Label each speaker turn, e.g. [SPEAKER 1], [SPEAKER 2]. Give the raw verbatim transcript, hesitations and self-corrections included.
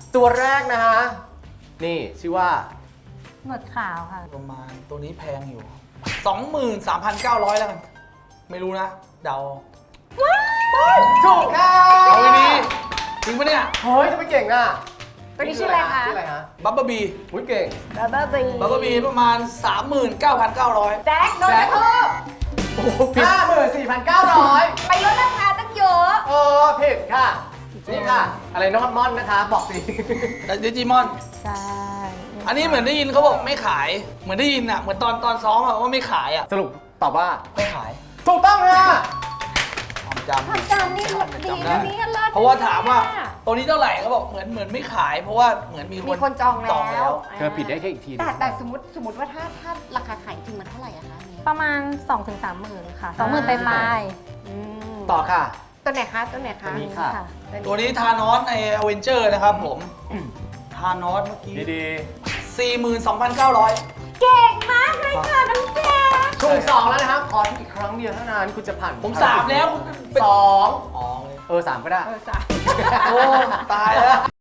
[SPEAKER 1] ตัวแรกนะฮะนี่ชื่อว่า
[SPEAKER 2] หนวดขาวค่ะ
[SPEAKER 3] ประมาณตัวนี้แพงอยู่ สองหมื่นสามพันเก้าร้อย แล้วกัน ไม่รู้นะ เดา
[SPEAKER 1] ถูกค่ะ
[SPEAKER 3] เอาไว้ดีจริงปะเนี่ย
[SPEAKER 1] เฮ้ยจะไม่เก่งอ่ะ
[SPEAKER 2] ตัวนี้ชื่ออะไรคะ
[SPEAKER 1] ชื่ออะไรฮะ
[SPEAKER 3] บับเบิ้ลบี
[SPEAKER 1] อุ้ยเก่ง
[SPEAKER 2] บับเบิ้ลบี
[SPEAKER 3] บับเบิ้ลบีประมาณ สามหมื่นเก้าพันเก้าร้อย
[SPEAKER 2] แจ็คโดนกระทืบ
[SPEAKER 1] โอ้โหผิดห้าหมื่นสี่พันเก้าร้อย
[SPEAKER 2] ไปลดราคาตั้งเยอะ
[SPEAKER 1] เออผิดค่ะนี่ค่ะ อะไรน้องมอนนะคะ บอกสิ
[SPEAKER 3] แต่ดิจิมอน
[SPEAKER 2] ใช่
[SPEAKER 3] อันนี้เหมือนได้ยินเขาบอกไม่ขาย เหมือนได้ยินอ่ะ เหมือนตอนตอนซ้อมอ่ะว่าไม่ขายอ่ะ
[SPEAKER 1] สรุปตอบว่า
[SPEAKER 3] ไม่ขาย
[SPEAKER 1] ถูกต้องค่ะ
[SPEAKER 3] ความจำ
[SPEAKER 2] ความจำนี่ดี
[SPEAKER 3] จำ
[SPEAKER 2] นะ
[SPEAKER 3] ได้
[SPEAKER 2] นี่เลิศ
[SPEAKER 3] เพราะว่าถามว่าตัวนี้เท่าไหร่เขาบอกเหมือนเหมือนไม่ขาย เพราะว่าเหมือนมี
[SPEAKER 2] มีคนจองแล้ว
[SPEAKER 1] เธอผิดได้แค่อีกที
[SPEAKER 4] แต่แต่สมมติสมมติว่าถ้าถ้าราคาขายจริงมันเท่าไหร่อะคะอันนี้
[SPEAKER 2] ประมาณ สองถึงสามหมื่นค่ะ สองหมื่นไปปลาย
[SPEAKER 4] อืม
[SPEAKER 1] ต่อค่ะ
[SPEAKER 4] ตัวไหนคะตัวไหนคะ
[SPEAKER 1] ตัวนี้ค่ะ
[SPEAKER 3] ตัวนี้ทานอสในอเวนเจอร์นะครับผมทานอสเมื่อกี้
[SPEAKER 1] ดี
[SPEAKER 3] สี่หมื่นสองพันเก้าร้อย
[SPEAKER 2] เก่งมากเลยค่ะน้องแจ๊ค
[SPEAKER 1] ๆถูกสองแล้วนะครับ ขออีกครั้งเดียวเท่านั้นคุณจะผ่าน
[SPEAKER 3] ผมสามแล้วคุณเป็น
[SPEAKER 1] สอง
[SPEAKER 3] อ๋อ
[SPEAKER 1] เออสามก็ได้
[SPEAKER 4] เออสาม
[SPEAKER 3] โอ้ ตายแล้ว